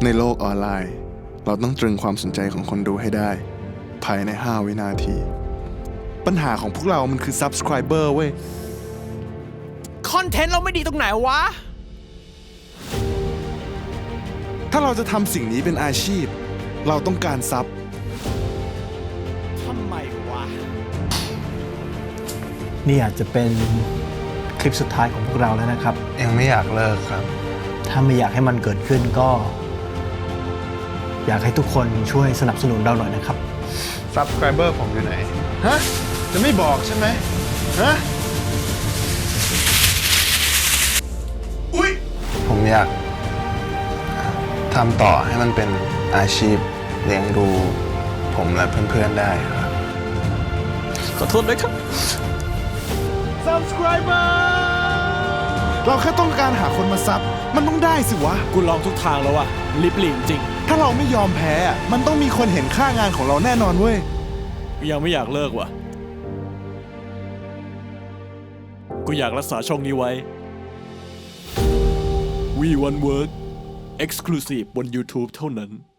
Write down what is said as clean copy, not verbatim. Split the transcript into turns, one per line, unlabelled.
ในโลกออนไลน์เราต้องตรึงความสนใจของคนดูให้ได้ภายใน5 วินาทีปัญหาของพวกเรามันคือ Subscriber เว้ย
คอนเทนต์เราไม่ดีตรงไหนวะ
ถ้าเราจะทำสิ่งนี้เป็นอาชีพเราต้องการซับ
ทำไมวะ
นี่อาจจะเป็นคลิปสุดท้ายของพวกเราแล้วนะครับ
ยังไม่อยากเลิกครับ
ถ้าไม่อยากให้มันเกิดขึ้นก็ อยากให้ทุกคนช่วยสนับสนุนเราหน่อยนะครับ
Subscriber ผมอยู่ไหนฮะจะไม่บอกใช่ไหมฮะอุ๊ยผมอยากทำต่อให้มันเป็นอาชีพเลี้ยงดูผมและเพื่อนๆได้ครับ
ขอโทษด้วยครับ
Subscriber เราแค่ต้องการหาคนมาซับมันต้องได้สิวะ
กูลองทุกทางแล้วอะลิบหลีจริง
ถ้าเราไม่ยอมแพ้มันต้องมีคนเห็นค่างานของเราแน่นอนเว้ย
กูยังไม่อยากเลิกว่ะกูอยากรักษาช่องนี้ไว้ We One Work Exclusive บน YouTube เท่านั้น